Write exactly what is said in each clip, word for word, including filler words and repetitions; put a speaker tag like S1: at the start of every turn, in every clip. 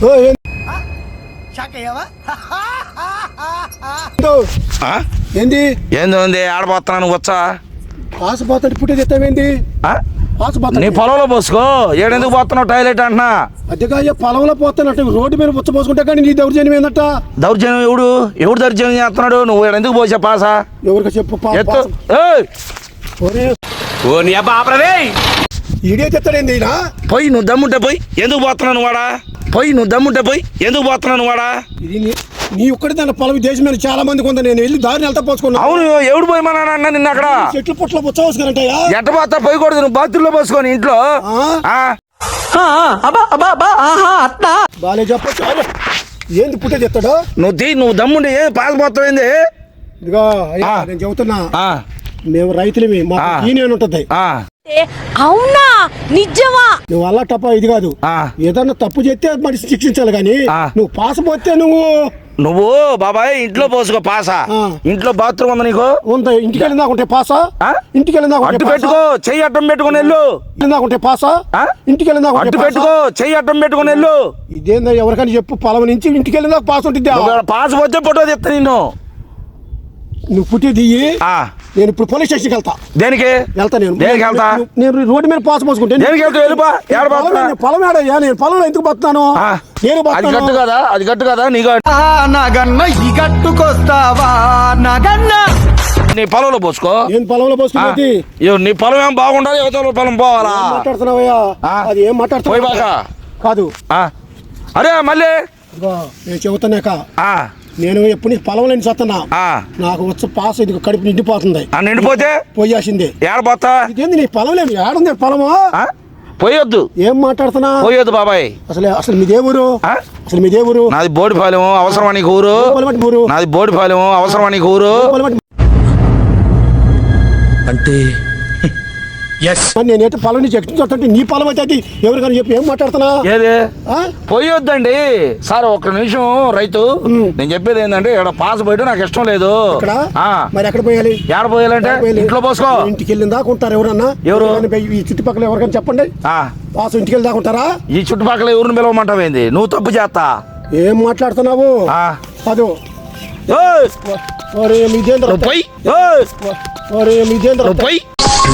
S1: ఏంది
S2: ఏంది ఉంది ఆడపోతున్నాను వచ్చా
S1: పాసు పోతాడు పుట్టే చెప్తావేంది పాసు పోతా
S2: నీ పొలంలో పోసుకో ఏడెందుకు పోతున్నావు టాయిలెట్ అంటున్నా
S1: అద్దెగా పొలంలో పోతానంటే రోడ్డు మీద పుచ్చ పోసుకుంటా కానీ నీ దౌర్జన్యం ఏందట
S2: దౌర్జన్యం ఎవడు ఎవడు దౌర్జన్యం చేస్తున్నాడు నువ్వు ఎందుకు పోసా పాసా
S1: ఎవరికి చెప్పు ఈడే చెప్తాడేంది
S2: పోయి నువ్వు దమ్ముంటే పోయి ఎందుకు పోతున్నాను వాడా పోయి నువ్వు దమ్ముంటే పోయి ఎందుకు పోతున్నాను వాడా
S1: ఇది నీ ఒక్కడి దాని పొలం దేశం మీద చాలా మందికి ఉంది నేను వెళ్ళి దారిని వెళ్తా పోసుకున్నా
S2: అవును ఎవడు పోయమన్నా అన్న నిన్న అక్కడ
S1: చెట్లు పుట్ల పుచ్చ పోసుకున్నట్టయ్యా
S2: ఎట్ట పోతా పోయకూడదు నువ్వు బాత్రూంలో పోసుకొని ఇంట్లో
S1: బాలే చెప్పచ్చు ఏంది పుట్టే చెప్తాడు
S2: నువ్వు తీ నువ్వు దమ్ముంటే ఏ పాస్ పోతావేంది
S1: ఇదిగో నేను చెబుతున్నా మేము రైతులమి మాకు యూనియన్ ఉంటది
S3: అవునా నిజమా
S1: నువ్వు అలా తప్ప ఇది కాదు ఏదన్నా తప్పు చేస్తే మనిషి శిక్షించాలి కానీ నువ్వు పాస్ పోతే నువ్వు
S2: నువ్వు బాబాయ్ ఇంట్లో పోసుకో పాసా ఇంట్లో బాత్రూమ్ ఉందా నీకు
S1: ఉందా ఇంటికి వెళ్ళిందా ఉంటే పాసా ఇంటికి వెళ్ళిందా
S2: అడ్డు పెట్టుకో చెయ్యి అడ్డం పెట్టుకుని వెళ్ళు
S1: ఉంటే పాసా ఇంటికి వెళ్ళిందా
S2: అడ్డు పెట్టుకో చెయ్యి అడ్డం పెట్టుకుని వెళ్ళు
S1: ఇదేందా ఎవరికైనా చెప్పు పొలం నుంచి ఇంటికి వెళ్ళిందా పాస్ ఉంటుంది
S2: పాస్ పోతే ఫోటో చెప్తా నిన్ను
S1: నువ్వు పుట్టి దియ్యి నేను ఇప్పుడు పోలీస్ స్టేషన్కి వెళ్తా
S2: దేనికి
S1: వెళ్తా నేను
S2: దేనికి వెళ్తా
S1: నేను రోడ్డు మీద పాస్ పోసుకుంటే పొలం ఏడయ్యా నేను పొలంలో ఎందుకు పోతున్నాను నేను
S2: అది గట్టు కదా అది గట్టు కదా నీ
S4: నాగన్న ఈ గట్టుకొస్తావా నాగన్న
S2: నీ పొలంలో పోసుకో
S1: నేను పొలంలో పోసుకునేది
S2: నీ పొలం ఏం బాగుండాలి యువతల పొలం పోవాలా
S1: మాట్లాడుతున్నావయ్యా అది ఏం మాట్లాడుతున్నావు కాదు
S2: అరే మళ్ళీ
S1: నేను చెబుతానేక నేను ఎప్పుడు పొలం లేని చస్తున్నా నాకు వచ్చి పాస్ ఇది కడుపు నిండిపోతుంది
S2: నిండిపోతే
S1: పోయాల్సిందే
S2: ఏడపోతా
S1: ఇదేంది నీ పొలం లేదు ఏడుంది పొలము
S2: పోయొద్దు
S1: ఏం మాట్లాడుతున్నా
S2: పోయొద్దు బాబాయ్
S1: అసలు అసలు మీ దేవురు అసలు మీ దేవురు
S2: నాది బోడిపాలెం అవసరమా నీకు ఊరు నాది బోడిపాలెం అవసరమా నీకు ఊరు అంటే
S1: నేనైతే పొలం నుంచి ఎక్కించుంటే నీ పొలం అయితే ఎవరికైనా చెప్పి ఏం మాట్లాడుతున్నా
S2: ఏది పోయొద్దండి సార్ ఒక్క నిమిషం రైతు నేను చెప్పేది ఏంటంటే ఇక్కడ పాస్ పోయడం నాకు ఇష్టం లేదు
S1: మరి ఎక్కడ పోయాలి
S2: ఎక్కడ పోయాలంటే ఇంట్లో పోసుకో
S1: ఇంటికి వెళ్ళిన దాకా ఉంటారు ఎవరన్నా
S2: ఎవరు
S1: ఈ చుట్టుపక్కల ఎవరికైనా చెప్పండి పాస్ ఇంటికి వెళ్ళి దాకా ఉంటారా
S2: ఈ చుట్టుపక్కల ఎవరిని పిలవమంటావేంది నువ్వు తప్పు చేస్తా
S1: ఏం మాట్లాడుతున్నావు అదో మీదేంద్ర
S2: పోయి
S1: మీదేంద్ర
S2: పోయి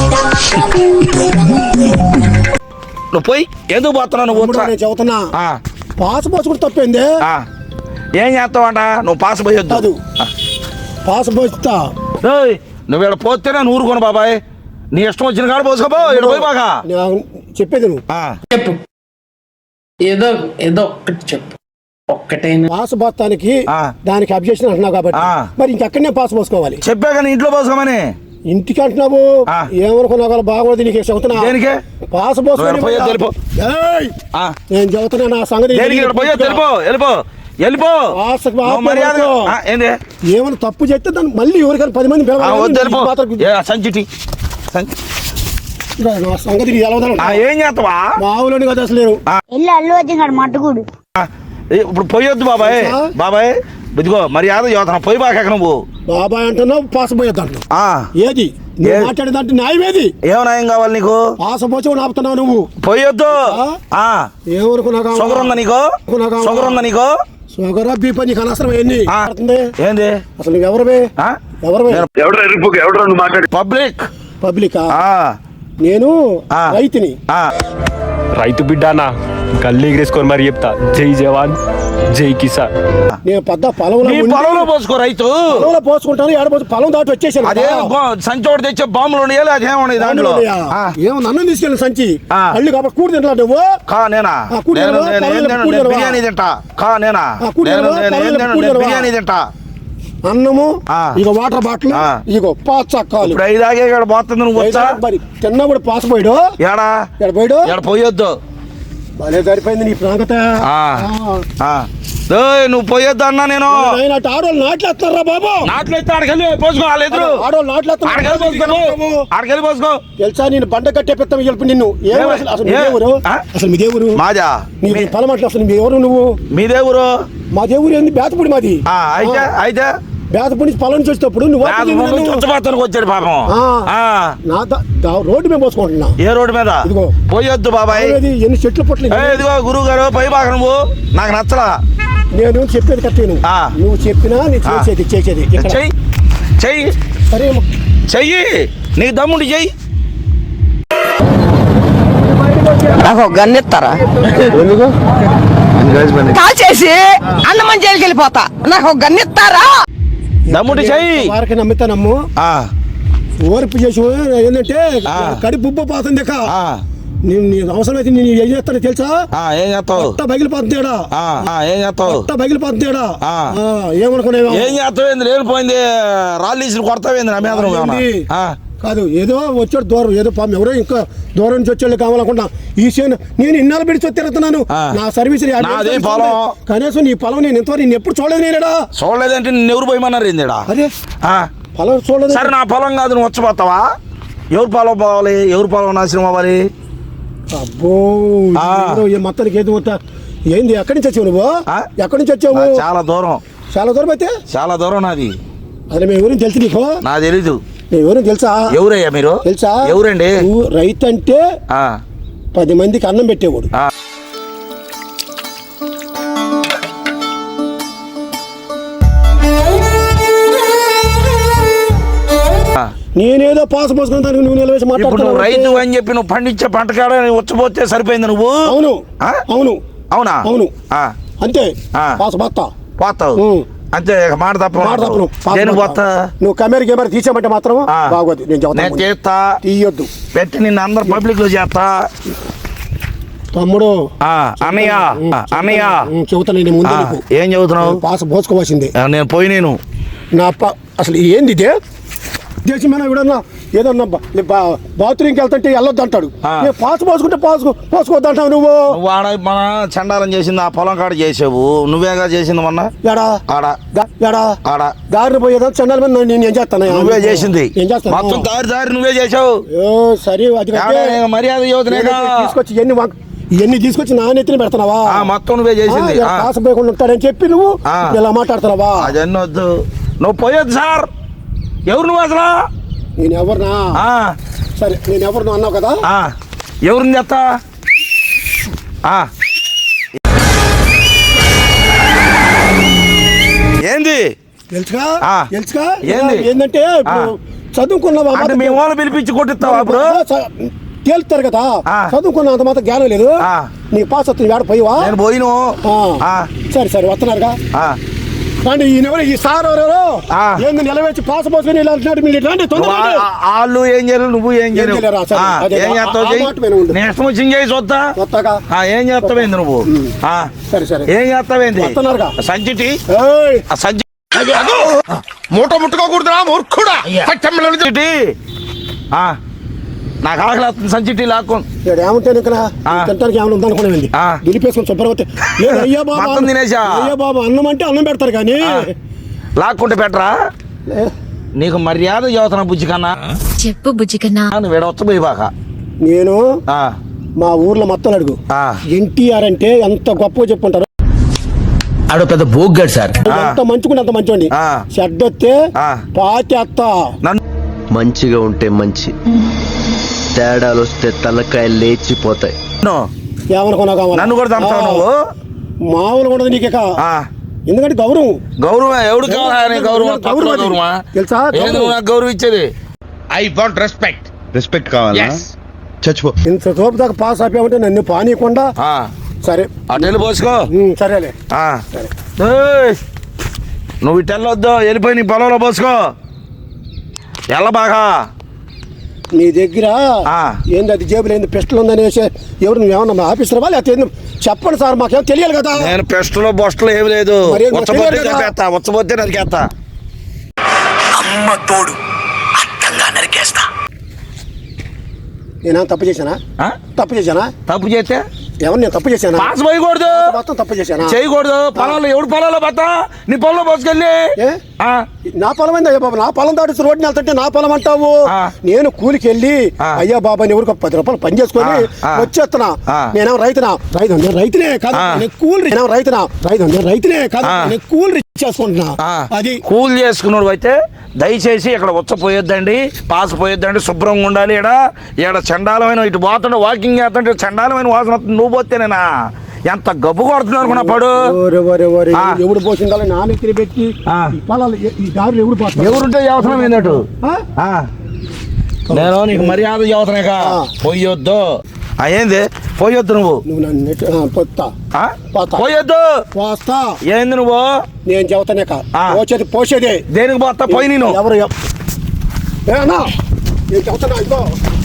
S2: నువ్వు పోయి ఎందుకు పోతున్నావు నువ్వు
S1: చెబుతున్నా పాస్ పోసుకుంటే తప్పేంది
S2: ఏం చేస్తావంట నువ్వు పాస్ పోయొద్దు
S1: పాస్ పోస్తా
S2: నువ్వు ఇక్కడ పోతేనే ఊరుకోను బాబాయ్ నీ ఇష్టం వచ్చిన కాడ పోసుకోబో ఇక్కడ పోయి బాగా
S1: చెప్పేది నువ్వు
S4: చెప్పు ఏదో ఏదో ఒక్కటి చెప్పు ఒక్కటే
S1: పాస్ పోతానికి దానికి అబ్జెక్షన్ అంటున్నావు కాబట్టి మరి ఇంకెక్కడనే పాస్ పోసుకోవాలి
S2: చెప్పా కానీ ఇంట్లో పోసుకోమని
S1: ఇంటికి అంటున్నావు ఏమనుకున్నావు బాగోదు నీకు చెబుతున్నా పాస్ పోసుకొని నేను చెబుతున్నా నా సంగతి ఏమైనా తప్పు చేస్తే దాన్ని మళ్ళీ ఎవరికైనా పది మంది నా సంగతి
S2: ఏం చేస్తావా
S1: మావులని కదా అసలు
S2: ఇప్పుడు పోయొద్దు బాబాయ్ బాబాయ్ ఇదిగో మర్యాద యువతన పోయి బాగా నువ్వు
S1: బాబాయ్ అంటున్నావు పాస్ పోయొద్దు అంటున్నావు ఏది నువ్వు మాట్లాడేదంటే న్యాయం ఏది
S2: ఏం న్యాయం కావాలి నీకు
S1: పాస్ పోచి ఆపుతున్నావు నువ్వు
S2: పోయొద్దు
S1: ఏమనుకున్నా
S2: షుగర్ ఉందా నీకు షుగర్ ఉందా నీకు
S1: షుగర్ బీపీ నీకు అనవసరం ఏంది
S2: ఏంది
S1: అసలు నువ్వు ఎవరివే ఎవరు
S2: పబ్లిక్
S1: పబ్లిక్ నేను రైతుని
S5: రైతు బిడ్డానా గల్లీ ఎగిరేసుకొని మరి చెప్తా జై జవాన్ జై కిసాన్
S1: నేను పెద్ద పొలంలో
S2: పొలంలో పోసుకో రైతు
S1: పొలంలో పోసుకుంటాను ఏడపోతే పొలం దాటి వచ్చేసాను
S2: అదే సంచోడు తెచ్చే బాంబులు ఉండేయాలి అదేమన్నా దాంట్లో
S1: ఏమో నన్ను తీసుకెళ్ళి సంచి అల్లు కాబట్టి కూడి తింటా నువ్వు
S2: కా నేనా బిర్యానీ తింటా కా నేనా బిర్యానీ తింటా
S1: అన్నము ఇక వాటర్ బాటిల్ ఇగో పాచక్కాలు
S2: ఐదాగే ఇక్కడ పోతుంది నువ్వు
S1: మరి తిన్నా కూడా పాస్ పోయాడు
S2: ఏడా
S1: ఎక్కడ పోయాడు
S2: ఎక్కడ పోయొద్దు
S1: భలే సరిపోయింది నీ ప్రాంగత
S2: నువ్వు పోయొద్దు అన్నా నేను
S1: ఆడవాళ్ళు నాట్లేస్తారా బాబు
S2: నాట్లేస్తే ఆడకెళ్ళి పోసుకోవాలి ఎదురు
S1: ఆడవాళ్ళు నాట్లేస్తారు
S2: ఆడకెళ్ళి పోసుకో
S1: తెలుసా నేను బండ కట్టే పెద్ద చెప్పి నిన్ను అసలు మీ దేవురు అసలు మీ దేవురు
S2: మాజా
S1: నీ పొలం అట్లా అసలు మీ ఎవరు నువ్వు
S2: మీ దేవురు
S1: మా దేవురు ఏంది బేతపూడి మాది
S2: అయితే అయితే
S1: బేతపూడి నుంచి పొలం నుంచి వచ్చేటప్పుడు నువ్వు వాకింగ్ చేయి నన్ను.
S2: చుచ్చపోతానికి వచ్చాడు పాపం
S1: ఆ.
S2: ఆ.
S1: నా ద- ద- రోడ్డు మీద పోసుకుంటున్నా.
S2: ఏ రోడ్డు మీద
S1: ఇదిగో.
S2: పోయొద్దు బాబాయ్.
S1: అనేది ఎన్ని చెట్లు పొట్లు
S2: ఏ, ఇదిగో గురువు గారు పై బాగా నువ్వు నాకు నచ్చలా.
S1: నేను చెప్పేది కరెక్ట్ నువ్వు
S2: ఆ.
S1: నువ్వు చెప్పినా నేను చేసేది చేసేది ఇక్కడ.
S2: చెయ్యి చెయ్యి
S1: సరే అమ్మ.
S2: చెయ్యి నీకు దమ్ముండి చెయ్యి.
S6: నాకు ఒక గన్ను ఇస్తారా కాల్ చేసి అన్నమని జైలుకి వెళ్ళిపోతా. నాకు ఒక గన్ను ఇస్తారా?
S2: దమ్ముండి చెయ్యి.
S1: వారికి నమ్ముతానమ్ము
S2: ఆ,
S1: ఓర్పు చేసి ఏంటంటే
S2: ఆ.
S1: కడుపు ఉబ్బ పోతుంది ఇక.
S2: ఆ,
S1: నేను నీ అవసరం అయితే నేను ఏం చేస్తానో తెలుసా?
S2: ఆ, ఏం చేస్తావు?
S1: పొట్ట బగిలిపోతుందేడా
S2: ఆ, ఆ, ఏం చేస్తావు?
S1: పొట్ట బగిలిపోతుందేడా
S2: ఆ.
S1: ఏమనుకునేవా?
S2: ఏం చేస్తావు? ఏంది లేనిపోయింది రాళ్ళు ఇసులు కొడతావేంది నా మీద నువ్వు ఏమన్నా?
S1: ఏంది?
S2: ఆ,
S1: కాదు ఏదో వచ్చాడు దూరం ఏదో పాపం ఎవరో ఇంకా దూరం నుంచి వచ్చేళ్ళు కావాలనుకుంటా. ఈ సేను నేను ఇన్నాళ్ళు పెడిచి తిరుగుతున్నాను.
S2: ఆ.
S1: నా సర్వీస్
S2: నాదే పొలం.
S1: కనీసం నీ పొలం నేను ఎంతవరకు నేను ఎప్పుడు చూడలేదు నేనేడా.
S2: చూడలేదంటే నిన్ను ఎవరు పోయమన్నారు ఏందిడా?
S1: అదే
S2: ఆ,
S1: పొలం చూడలేదు.
S2: సరే నా పొలం కాదు నువ్వు వచ్చపోతావా? ఎవరు పొలం పోవాలి? ఎవరు పొలం నాశనం అవ్వాలి?
S1: అబ్బో
S2: ఆ.
S1: ఏదో ఈ మొత్తానికి ఏదో మొత్తం ఏంది? ఎక్కడి నుంచి వచ్చావు నువ్వు?
S2: ఆ?
S1: ఎక్కడి నుంచి వచ్చావు?
S2: ఆ, చాలా దూరం
S1: చాలా దూరం అయితే
S2: చాలా దూరం నాది.
S1: అదే మేము ఎవరు తెలుసు నీకు?
S2: నా తెలీదు.
S1: మేము ఎవరు తెలుసా?
S2: ఎవరయ్యా మీరు?
S1: తెలుసా?
S2: ఎవరండి?
S1: నువ్వు రైతు అంటే
S2: ఆ,
S1: పది మందికి అన్నం పెట్టేవాడు.
S2: ఆ. ఆ.
S1: నేనేదో పాస్ పోసుకున్న దానికి నువ్వు నిలవేసి
S2: ఇప్పుడు నువ్వు
S1: మాట్లాడుతున్నావు.
S2: రైతు అని చెప్పి నువ్వు పండించే పంట కాడ వచ్చిపోతే సరిపోయింది నువ్వు.
S1: అవును
S2: ఆ?
S1: అవును
S2: అవునా?
S1: అవును.
S2: ఆ,
S1: అంతే
S2: ఆ.
S1: పాస్ పోతా.
S2: పోతావు
S1: ఉం.
S2: అంతే ఇక మాట తప్ప
S1: మాట తప్పను. పాస్
S2: నేను
S1: పోతా.
S2: పోతా.
S1: నువ్వు కెమెరా కెమెరా తీసామంటే మాత్రం
S2: ఆ.
S1: బాగోదు. నేను
S2: నేను
S1: చెబుతాను
S2: చేస్తా
S1: తీయొద్దు
S2: పెట్టి నిన్ను అందరు పబ్లిక్ లో చేస్తా.
S1: తమ్ముడు.
S2: ఆ, అన్నయ్య
S1: ఉం,
S2: ఆ, అన్నయ్య
S1: ఉం, చెబుతాను నేను ముందు
S2: ఆ,
S1: నీకు.
S2: ఏం చదువుతున్నావు?
S1: పాస్ పోసుకోవాల్సిందే.
S2: ఆ, నేను పోయి నేను
S1: నా ప- అసలు ఏంది ఇదే దేశమైనా ఎవడన్నా ఏదన్నా బాత్రూమ్కి వెళ్తుంటే వెళ్ళొద్దు అంటాడు.
S2: ఆ.
S1: నేను పాస్ పోసుకుంటే పాస్ పోసుకోవద్దు అంటావు నువ్వు.
S2: నువ్వు ఆడ మన చండాలం చేసింది ఆ పొలం కాడ చేసావు. నువ్వేగా చేసింది మొన్న
S1: ఎడా
S2: ఆడ
S1: దా- ఎడా
S2: ఆడ
S1: దారిని పోయేదా చండాల మీద నేను ఏం చేస్తాను?
S2: నువ్వే చేసింది
S1: ఏం చేస్తాను?
S2: మొత్తం దారి దారి నువ్వే చేసావు.
S1: ఏ, సరే అది కాదే.
S2: ఏడా, నేను మర్యాద యువతనేగా.
S1: తీసుకొచ్చి ఇవన్నీ వంక- ఇవన్నీ తీసుకొచ్చి నా నెత్తిన పెడుతున్నావా?
S2: ఆ, మొత్తం నువ్వే చేసింది.
S1: ఆ,
S2: ఆ,
S1: పాస్ పోయకుండా ఉంటాడని చెప్పి నువ్వు
S2: ఆ.
S1: ఇలా మాట్లాడుతున్నావా?
S2: అదన్నీ వద్దు. నువ్వు పోయొద్దు సార్. ఎవరు నువ్వు అసలు?
S1: నేను ఎవరినా?
S2: ఆ,
S1: సరే నేను ఎవరినో అన్నావు కదా.
S2: ఆ, ఎవరిని చెత్తా? ఆ. ఏంది?
S1: తెలుసుగా
S2: ఆ.
S1: తెలుసుగా
S2: ఏంది?
S1: ఏంటంటే ఇప్పుడు చదువుకున్నావా?
S2: అంటే మీ వాళ్ళు పిలిపించి కొట్టిస్తావా ఇప్పుడు?
S1: తేలుతారు కదా.
S2: ఆ.
S1: చదువుకున్న అంత మాత్రం జ్ఞానం లేదు.
S2: ఆ.
S1: నీ పాస్ వస్తుంది వేడ పోయివా?
S2: నేను పోయిను.
S1: ఆ.
S2: ఆ.
S1: సరే సరే వస్తున్నారుగా.
S2: ఆ.
S1: రండి ఈయన ఎవరు? ఈ సార్ ఎవరెవరు?
S2: ఆ.
S1: ఏంది నిలవేసి పాస్ పోసుకొని ఇలా అంటున్నాడు. మీరు రండి
S2: నువ్వు
S1: తొందరగా
S2: ఆ-
S1: రండి.
S2: ఆ- వాళ్ళు ఏం చేయరు నువ్వు ఏం చేయరు.
S1: చేయలేరా? సరే.
S2: ఆ,
S1: అదే,
S2: ఏం
S1: ఆ-
S2: చేస్తావు
S1: ఆ
S2: చెయ్యి.
S1: మాట మీద ఉండు.
S2: నీ ఇష్టం వచ్చింది చేయి చూద్దా.
S1: కొత్తగా
S2: ఆ, ఏం చేస్తావేంది నువ్వు? ఆ,
S1: సరే సరే
S2: ఏం చేస్తావేంది?
S1: వస్తున్నారుగా.
S2: సంచిటి
S1: ఏయ్,
S2: ఆ సంచి
S7: మూట ముట్టుకోకూడదురా మూర్ఖుడా
S2: సంచిటి ఆ, నాకు ఆకలి వస్తుంది. సంచిటి లాక్కు.
S1: ఇక్కడ ఏముంటాను ఇక్కడ
S2: ఆ.
S1: తింటానికి ఏమైనా ఉందనుకునేది
S2: ఆ.
S1: దులిపేసుకొని శుభ్రవతి లేదు. అయ్యా బాబా
S2: మొత్తం తినేసా?
S1: అయ్యా బాబా అన్నం అంటే అన్నం పెడతారు కానీ
S2: ఆ. లాక్కుంటే పెట్టరా?
S1: ఏ,
S2: నీకు మర్యాద చదువుతున్నా బుజ్జి కన్నా.
S3: చెప్పు బుజ్జికన్నా.
S2: నువ్వు విడవచ్చబోయి బాక.
S1: నేను
S2: ఆ,
S1: మా ఊర్లో మొత్తం అడుగు
S2: ఆ.
S1: ఎన్టీఆర్ అంటే ఎంత గొప్పగా చెప్పుకుంటారు.
S7: ఆడో పెద్ద బోగ్గాడు సార్
S1: ఎంత మంచుకుంటే అంత మంచోండి.
S2: ఆ.
S1: చెడ్డొస్తే
S2: ఆ.
S1: పాతేత్త.
S2: నన్ను
S8: మంచిగా ఉంటే మంచి, తేడాలు వస్తే తలకాయలు లేచిపోతాయి.
S1: ఏమనుకున్నావు కావాలి?
S2: నన్ను కూడా చంపుతావు నువ్వు?
S1: మామూలుగా ఉండదు నీకు ఇక.
S2: ఆ.
S1: ఎందుకంటే గౌరవం
S2: గౌరవం ఎవడు కావాలి? గౌరవం
S1: గౌరవం
S2: తక్కువ
S1: అది.
S2: గౌరవమా?
S1: తెలుసా?
S2: ఏంది
S1: గౌరవం.
S2: నువ్వు నాకు గౌరవం ఇచ్చేది?
S7: ఐ వాంట్ రెస్పెక్ట్
S9: రెస్పెక్ట్ కావాలా?
S7: Yes.
S9: చచ్చిపో.
S1: ఇంత తోపు దాకా పాస్ అయిపోయామంటే నన్ను పానీయకుండా.
S2: ఆ,
S1: సరే
S2: అటు వెళ్ళి పోసుకో.
S1: ఉమ్, సరేలే.
S2: ఆ.
S1: సరే.
S2: ఏయ్, నువ్వు ఇటు వెళ్ళొద్దు. వెళ్ళిపోయి నీ పొలంలో పోసుకో. ఎల్ల బాగా.
S1: నీ దగ్గర
S2: ఆ.
S1: ఏంది అది జేబులో ఏంది పిస్టల్ ఉందనేసి ఎవరు నువ్వేమన్నా ఆఫీసర్ లేకపోతే ఏంది? చెప్పండి సార్ మాకేం తెలియాలి కదా.
S2: నేను పెస్టులో బొస్టులో ఏమి లేదు.
S1: మరి ఏం
S2: ఉచ్చబోతే
S1: తెలియదు కదా?
S2: చంపేస్తా. ఉచ్చబోతే నరికేస్తా.
S7: అమ్మ తోడు అట్టంగా నరికేస్తా.
S1: నేనా తప్పు చేశానా?
S2: ఆ?
S1: తప్పు చేశానా?
S2: తప్పు చేస్తే
S1: ఎవరు నేను తప్పు చేశానా?
S2: పాస్ పోయకూడదు.
S1: మొత్తం తప్పు చేశానా?
S2: చేయకూడదు. పొలంలో ఎవడు పొలంలో బతా నీ పొలంలో పోసుకెళ్ళి.
S1: ఏ?
S2: ఆ,
S1: నా పొలం ఏంది అయ్యా బాబు? నా పొలం దాటి రోడ్డు వెళ్తుంటే నా పొలం అంటావు?
S2: ఆ.
S1: నేను కూలికి వెళ్ళి
S2: ఆ.
S1: అయ్యా బాబా అని ఎవరికి పది రూపాయలు పని చేసుకొని
S2: ఆ. ఆ.
S1: వచ్చేస్తున్నా.
S2: ఆ.
S1: నేనేం రైతునా? రైతు నేను రైతునే కాదు,
S2: ఆ.
S1: నేను కూలి నేనేం రైతునా? రైతు నేను రైతునే కాదు,
S2: ఆ.
S1: నేను కూలి చేసుకుంటున్నా.
S2: ఆ,
S1: అది
S2: కూల్ చేసుకున్నాడు అయితే దయచేసి ఇక్కడ వచ్చ పోయొద్దండి, పాస్ పోయొద్దండి, శుభ్రంగా ఉండాలి. ఇక్కడ ఇక్కడ చండాలమైన ఇటు పోతుంటే వాకింగ్ చేస్తుంటే చండాలమైన వాసన వస్తుంది. నువ్వు పోతేనేనా ఎంత గబ్బు కొడుతున్నావు అనుకున్నా పడు.
S1: ఓరే ఓరే ఓరే,
S2: ఆ.
S1: ఎవడు పోసిండాలి నా నెత్తిన పెట్టి
S2: ఆ.
S1: ఈ పొలాలు ఈ- ఈ దారులు ఎవడు పోతాడు?
S2: ఎవరుంటే అవసరం ఏంటట్టు
S1: ఆ?
S2: నేను నీకు మర్యాద చదువుతున్నాక
S1: ఆ.
S2: పోయొద్దు. ఆ, ఏంది పోయొద్దు నువ్వు?
S1: నువ్వు నన్ను నెట్ పొత్తా
S2: ఆ?
S1: పోతా.
S2: పోయొద్దు.
S1: పోస్తా.
S2: ఏంది నువ్వు?
S1: నేను చెబుతానే కా
S2: ఆ.
S1: పోసేది పోసేదే.
S2: దేనికి పోతా? పోయి నేను
S1: ఎవరు ఎవ- ఏ అన్నా, నేను చెబుతున్నా ఇదిగో